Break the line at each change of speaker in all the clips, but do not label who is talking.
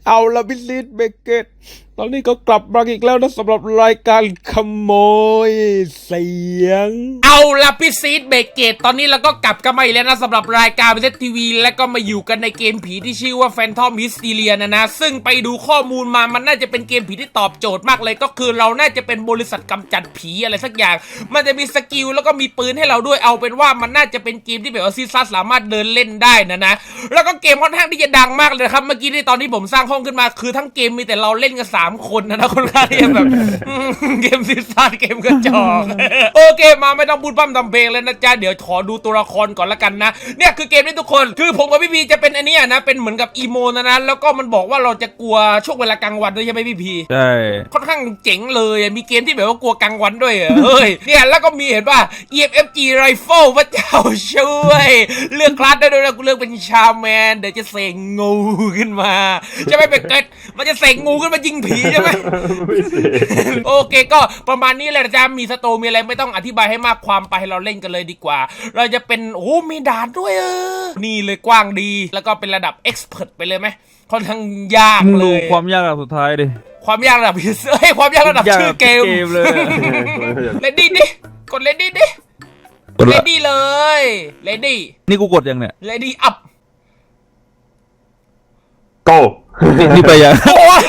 เอาละพิซิตเบเกตตอนนี้ก็กลับมาอีกแล้วนะสำหรับรายการขโมยเสียง
เอาละพี่ซีดเบเกตตอนนี้เราก็กลับกันมาอีกแล้วนะสำหรับรายการวิทยทีวีและก็มาอยู่กันในเกมผีที่ชื่อว่า Phantom Hysteria นะซึ่งไปดูข้อมูลมามันน่าจะเป็นเกมผีที่ตอบโจทย์มากเลยก็คือเราน่าจะเป็นบริษัทกำจัดผีอะไรสักอย่างมันจะมีสกิลแล้วก็มีปืนให้เราด้วยเอาเป็นว่ามันน่าจะเป็นเกมที่แบบว่าซีซัสสามารถเดินเล่นได้นะแล้วก็เกมค่อนข้างที่จะดังมากเลยครับเมื่อกี้ที่ตอนที่ผมสร้างห้องขึ้นมาคือทั้งเกมมีแต่เราเล่นกัน3 คนนะคนละที่แบบเกมซีซัสเกมกระจอกโอเคมาไม่ต้องพูดปั้มทำเพลงเลยนะจ๊ะเดี๋ยวขอดูตัวละครก่อนละกันนะเนี่ยคือเกมนี้ทุกคนคือผมกับพี่พีจะเป็นอันนี้นะเป็นเหมือนกับอีโมนะแล้วก็มันบอกว่าเราจะกลัวช่วงเวลากลางวันด้วยใช่ไหมพี่พี
ใช่
ค่อนข้างเจ๋งเลยมีเกมที่แบบว่ากลัวกลางวันด้วยเฮ้ยเนี่ยแล้วก็มีเห็นป่ะ EFFG Rifle พระเจ้าช่วยเลือกคลาสได้ด้วยนะกูเลือกเป็นชาแมนเดี๋ยวจะเสกงูขึ้นมาใช่ไหมเป็ดเกิดมันจะเสกงูขึ้นมายิงผีใช่ไหมโอเคก็ประมาณนี้แหละจะมีสโตมีอะไรไม่ต้องอธิบายให้มากความไปเราเล่นกันเลยดีกว่าเราจะเป็นโอ้มีด่านด้วยนี่เลยกว้างดีแล้วก็เป็นระดับ Expert ไปเลยไหมค่อนข้างยากเลย
ความยากระดับสุดท้ายดิ
ความยากระดับความยากระดับชื่อเกม
เลย
เลดี้ดิกดเลดี้ดิเลดี้เลยเลดี้
นี่กูกดยังเนี่ย
เลดี้อัพ
โก้
นี่ไปยัง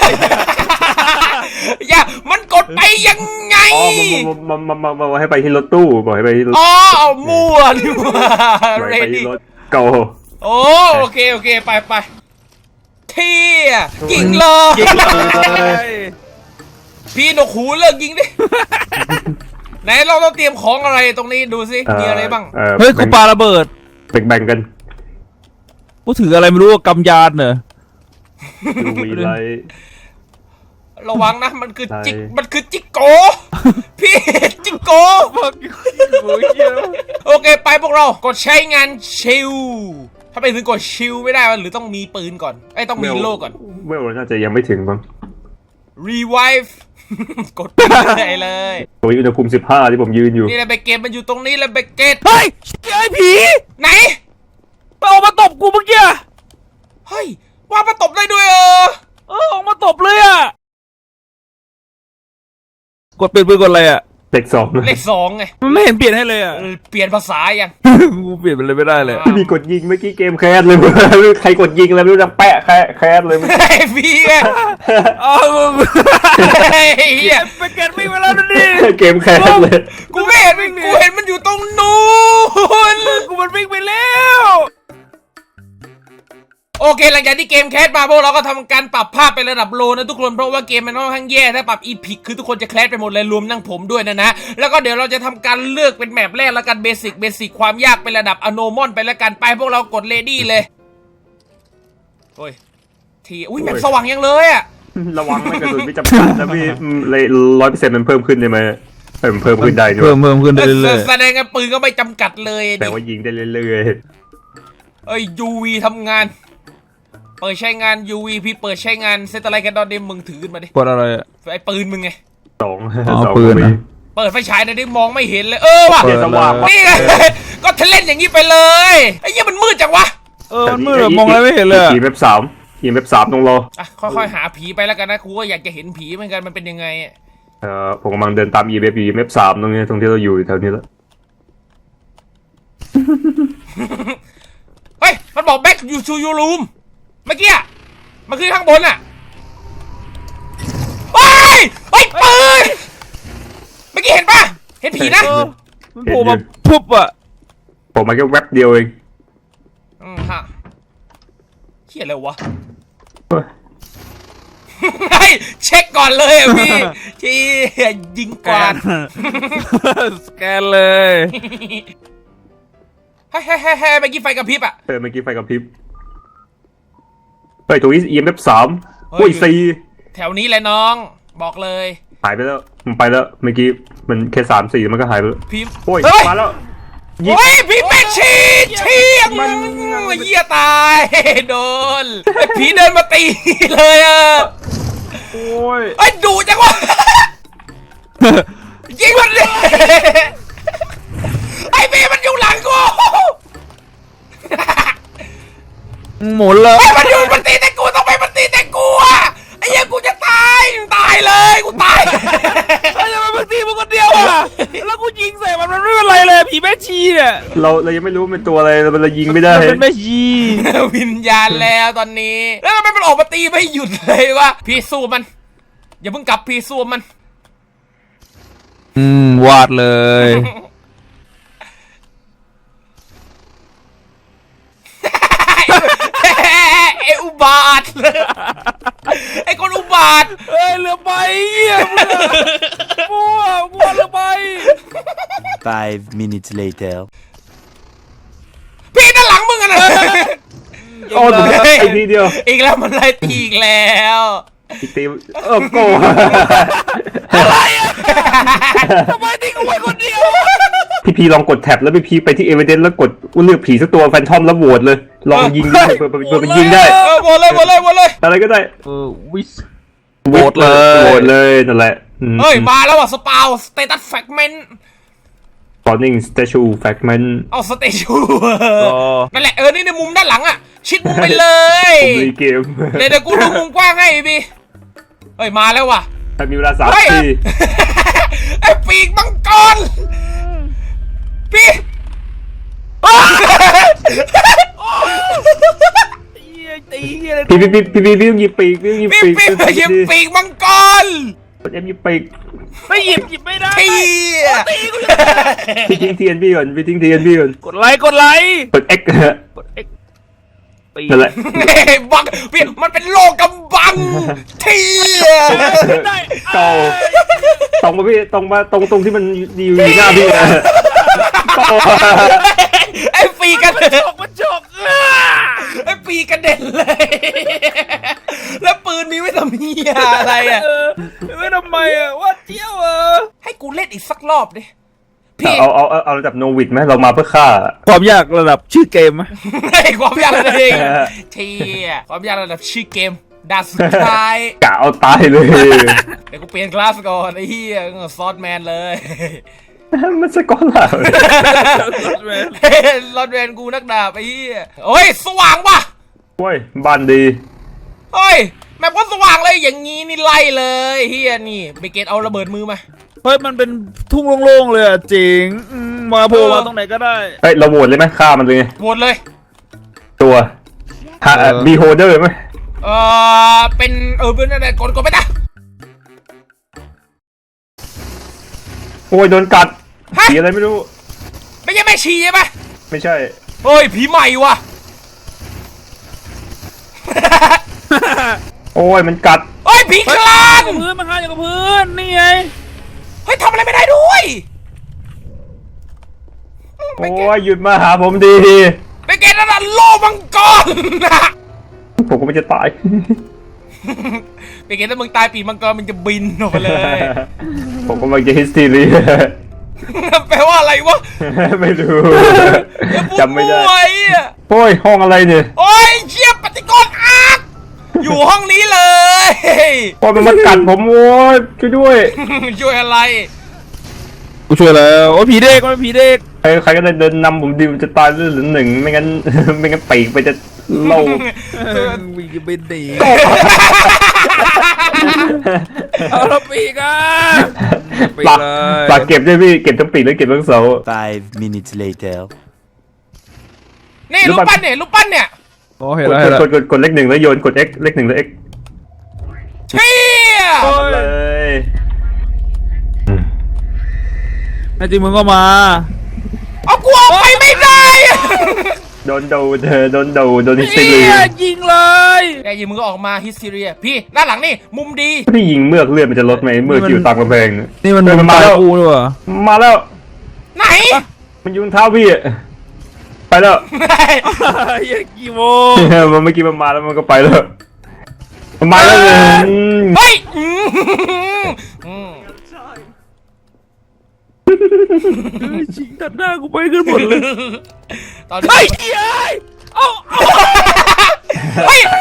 อย่ามันกดไปยังไง
อ๋อมาให้ไปที่รถตู้บอกให้ไปที่รถ
อ๋อมั่วดิว่า
เลดี้รถโก้
โอเคไปเที่ยยิงเลย พี่นกหูเลิกยิงดิไหนเราต้องเตรียมของอะไรตรงนี้ดูสิมีอะไรบ้าง
เฮ้ยกูปาระเบิด
แบ่งกัน
กูถืออะไรไม่รู้กำยานเหรอ
มีอะไร
ระวังนะมันคือจิกโกพี่จิกโกโอเคไปพวกเรากดใช้งานชิลถ้าไปถึงกดชิลไม่ได้หรือต้องมีปืนก่อนต้องมีโล่ก่อน
เวลน่าจะยังไม่ถึงบ้าง
revive กดได้เลย
ตัวอุณหภูมิ15ที่ผมยืนอยู่
นี่แหละเบเกตมันอยู่ตรงนี้แหละเบเกต
เฮ้ยไอ้ผี
ไหน
ออกมาตบกูเมื่อกี้
เฮ้ยว่ามาตบได้ด้วย
ออกมาตบเลยกดเปลี่ยนปืนกดอะไร
เลข2
ไง
มันไม่เห็นเปลี่ยนให้เลย
เปลี่ยนภาษายัง
กูเปลี่ยนไปเลยไม่ได้เลย
พี่กดยิงเมื่อกี้เกมแคสเลยใครกดยิงแล้วไม่รู้จะแปะแคสเลย
พี่ไง
เฮียไปเก็ตวิ่งไปแล้วนี่
เกมแคสเลย
กูไม่เห็นมันอยู่ตรงนู้น
กูมันวิ่งไปแล้ว
โอเคหลังจากที่เกมแคสมาพวกเราก็ทำการปรับภาพไประดับโลนะทุกคนเพราะว่าเกมมันค่อนข้างแย่ถ้าปรับอีพิกคือทุกคนจะแคสไปหมดเลยรวมทั้งผมด้วยนะแล้วก็เดี๋ยวเราจะทำการเลือกเป็นแมปแรกแล้วกันเบสิกความยากเป็นระดับอโนมอนไปแล้วกันไปพวกเรากดเลดี้เลยโอ้ยแมปสว่างยังเลย
ระวังไม่กระสุนไม่จำกัดนะพี่เลย100%มันเพิ่มขึ้นใช่ไหมเพิ่มขึ้นได้ด้วย
เพิ่มขึ้นได้เรื่อย
ๆแสดงว่าปืนก็ไม่จำกัดเลย
แต่ว่ายิงได้เรื่อย
ๆUV ทำงานเปิดใช้งาน UV พี่เปิดใช้งานเซตอะไรกันดอนเดมมึงถือขึ้นมาดิ
กดอะไร
ไอ้ปืนมึงไง
2
ปืนนะ
เปิดไฟฉายนะดิมองไม่เห็นเลยว่ะ
สว่าง
นี่ไงก็ทะเล่นอย่างนี้ไปเลยไอ้เหี้ยมันมืดจังวะ
มันมืดมองอะไรไม่เห็นเลย
อีเว็บ3ตรงรอ
ค่อยๆหาผีไปแล้วกันนะครูก็อยากจะเห็นผีเหมือนกันมันเป็นยังไง
ผมกำลังเดินตามอีเว็บ3ตรงนี้ตรงที่เราอยู่แถวนี้แล้ว
เฮ้ยมันบอก back you to your roomเมื่อกี้มันขึ้นข้างบนเฮ้ยปืนเมื่อกี้เห็นปะเห็นผีนะ
มันโผล่มาปุ๊บ
ผมมาแค่แวบเดียวเอง
ฮะเหี้ยอะไรวะเฮ้ยเช็คก่อนเลยพี่ที่ยิงกวาด
สแกนเลย
เฮ้เมื่อกี้ไฟกระพริบ
เมื่อกี้ไฟกระพริบไปตรงนี้ EMF 3โอ้ย4
แถวนี้เลยน้องบอกเลย
หายไปแล้วมันไปแล้วเมื่อกี้มันแค่3-4มันก็หายไปแล้ว
พี่
โอ้ยมาแล้ว
พี่แม่ชีมันเหี้ยตายโดนผีเดินมาตีเลย
โอ้ย
ไอ้ดูจังวะยิงมันเลยไอ้พี่มันอยู่หลังกู
หมุนเลย
มันตีแต่กูต้องไปมันตีแต่กู
ชีเนี่ย
เรายังไม่รู้เป็นตัวอะไรเรายิงไม่ได้
มันเป็นแม่ชี
วิญญาณแล้วตอนนี้ แล้วทำไมมันออกมาตีไม่หยุดเลยวะพี่สู้มัน อย่าเพิ่งกลับพี่สู้มัน
วาดเลย
ไอ้อุบาทไอ้คนอุบาท
เอ้ยเรือใบเหี้ยมัวเรือใบ
5 minutes later.
พี่ด้านหลังมึงอะนะ
โอ้ผมไอ้ทีเดียว
อีกแล้วมันไล่ตีอีกแล้ว
อีกทีโก้
ทำไมทิ้งกูไว้คนเดียว
พี่ลองกดแท็บแล้วพี่ไปที่เอเวเดนแล้วกดเลือกผีสักตัวแฟนทอมแล้วโหวตเลยลองยิงดูเผื่อมันยิงได้
หมดเลย
อะไรก็ได้
วิส
โหวตเลยนั่นแหละ
เฮ้ยมาแล้วอ่ะสปาวสเตตัสแฟกเมนต์
Spawning Statue Fragment
เอาสเตชูนั่นแหละนี่ในมุมด้านหลังอ่ะชิดมุมไปเลย
ผมรีเกม
เดี๋ยวกูดูมุมกว้างให้พี่เฮ้ยมาแล้วว่ะ
ถ้ามีเวลา3
เฮ้ย
นาที
ไอ้ปีกมังกรพี่
ตีเหี้ยเลย
พี่ต้องหยิบปีกพี่ต้องหยิบ
พี่
ปีก
พี่ยิงปีกมังกร
กด F หยิบปีก
ไม่หยิบไม่ได้
พี่
พี่ทิ้งเทียนพี่ก่อนพี่ทิ้งเทียนพี่ก่อน
กดไลค์
กด X
กด X ปี
นั่นแหละ
บังพี่มันเป็นโลกกำบังเที่ย
ได้
เก่าตรงมาพี่ตรงที่มันอยู่หน้าพี่นะ
ไอ้ปีกัน
มันจก
ไอ้ปีกระเด็นเลย แล้วปืนมีไว้ทำเหี้ยอะไรอ่ะ
ไม่ทำไมว่าเที่ยว
ให้กูเล่นอีกสักรอบดิพี่
เอาระดับโนวิดไหมเรามาเพื่อฆ่า
ความยากระดับชื่อเกมไหม
ให้ความยากระดับเองเที่ยความยากระดับชื่อเกมด่านสุดท้าย
กะเอาตายเลย
เดี๋ยวกูเปลี่ยนคลาสก่อนไอ้เหี้ยซอสแมนเลย
มันสกอตล่ะ
รอดเวนกูนักดาบไอ้เหี้ยโอ้ยสว่างว่ะ
โอ้ยบ้านดี
เฮ้ยแมปก็สว่างเลยอย่างงี้นี่ไล่เลยเฮียนี่เบเกตเอาระเบิดมือมา
เฮ้ยมันเป็นทุ่งโล่งๆเลยจริงมาโผล่มาตรงไหนก็ได้
เฮ้ยเราโหวตเลยไหมฆ่ามันเลย
โหวตเลย
ตัวบีโฮเดอร์ไหม
เป็นเป็นอะไรกดไปจ้ะ
โอ้ยโดนกัดผีอะไรไม่รู้
ไม่ใช่แม่ชีใช่ไหม
ไม่ใช่
เฮ้ยผีใหม่ว่ะ
โอ้ยมันกัด
เฮ้ยผีคลาน
พื้นมาหาอย่างกับพื้นนี่ไง
เฮ้ยทำอะไรไม่ได้ด้วย
โอ้ยหยุดมาหาผมดี
เบเกตนั่นโลมังกรนะ
ผมก็ไม่จะตาย
เบเกตถ้ามึงตายปีมังกรมันจะบินออกไปเลย
ผมก็มาจะฮิสทีรี
แปลว่าอะไรวะ
ไม่รู้จำไม่ได้
โอ้ย
โอ้ยห้องอะไรเนี่ย
โอ้ยเชี่ยปฏิกรณ์อาร์ตอยู่ห้องนี้เลย
โอ้ยมันมากัดผมโอ้ยช่วยด้วย
ช่วยอะไร
กูช่วยแล้วโอ้ผีเด็กมันผีเด็ก
ใครก็ได้เดินนำผมดีมันจะตายเรื่องหรือหนึ่งไม่งั้น ไม่งั้นปีกไปจะโล่
วิ่งจะไปหนีเอาละปีกอ่ะ
ปากเก็บด้วยพี่เก็บทั้งปีกแล้วเก็บทั้งเสา
5 minutes later.
นี่รูปปั้นเนี่ย
โอ้เห็นแล้วเห็นแล้ว
กดเลขหนึ่งแล้วโยนกด X เลขหนึ่งแล้ว X
เชี่ย
เลย
นายจริงมึงก็มา
เอากูออกไปไม่ได้
โดนฮิส
เฮี
ทีรี
ยยิงเลย
แกยิงมึงก็ออกมาฮิสทีเรียพี่ด้านหลังนี่มุมดี
พี่ยิงเมือกเลือดมันจะลดไหมเมือกที่อยู่ตามกำแพงเนี่ย
นี่มัน
มาแล้ว
กูด้วย
มาแล้ว
ไหน
มันอยู่บนเท้าพี่อะไปแล้ว
เฮียกี่โมง
มันเมื่อกี้มันมาแล้วมันก็ไปแล้วมันมาแล้วเลย
เฮ้ย
ชิงตัดหน้ากูไปกันหมดเลย
ตอนนี้
เฮ้ยเฮียเอา
เฮ้ย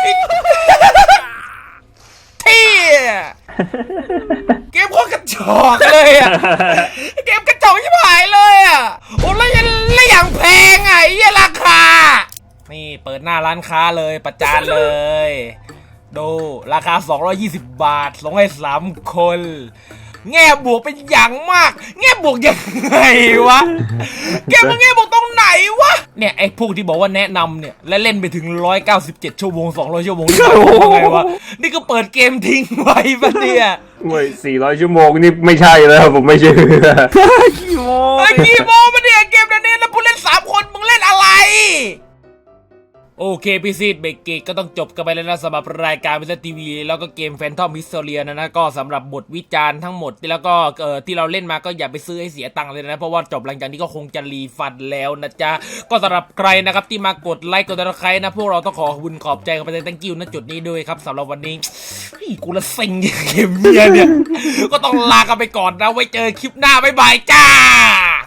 เที่ยเกมโคตรกระจอกเลยอ่ะเกมกระจอกชิบหายเลยอ่ะโอ้แล้วอย่างแพงอ่ะไอ้เหี้ยราคานี่เปิดหน้าร้านค้าเลยประจานเลยดูราคา220 บาทส่งให้3 คนแง่บวกเป็นอย่างมาก แง่บวกยังไงวะเกมมันแง่บวกตรงไหนวะเนี่ยไอ้พวกที่บอกว่าแนะนำเนี่ยและเล่นไปถึง197ชั่วโมง200ชั่วโมงนี่ยังไงวะนี่ก็เปิดเกมทิ้งไว้ปะเนี่ย
เว้ย400 ชั่วโมงนี่ไม่ใช่แล้วผมไม่เชื่อ
ขี้โม
ไอ้กี่โมงมาเนี่ยเกมนี้แล้วผู้เล่น3คนมึงเล่นอะไรโอเคพี่ซีดเบรกเกตก็ต้องจบกันไปแล้วนะสำหรับรายการวิทยทีวีแล้วก็เกมแฟนทอมฮิสโตเรียนะก็สำหรับบทวิจารณ์ทั้งหมดแล้วก็ที่เราเล่นมาก็อย่าไปซื้อให้เสียตังค์เลยนะเพราะว่าจบหลังจากนี้ก็คงจะรีฟันแล้วนะจ๊ะก็สำหรับใครนะครับที่มากดไลค์กดติดตามนะพวกเราต้องขอขอบใจกันไปเลย thank you นะจุดนี้ด้วยครับสำหรับวันนี้กูละเซ็งเกมเนี่ยก็ต้องลากันไปก่อนนะไว้เจอคลิปหน้าบ๊ายบายจ้า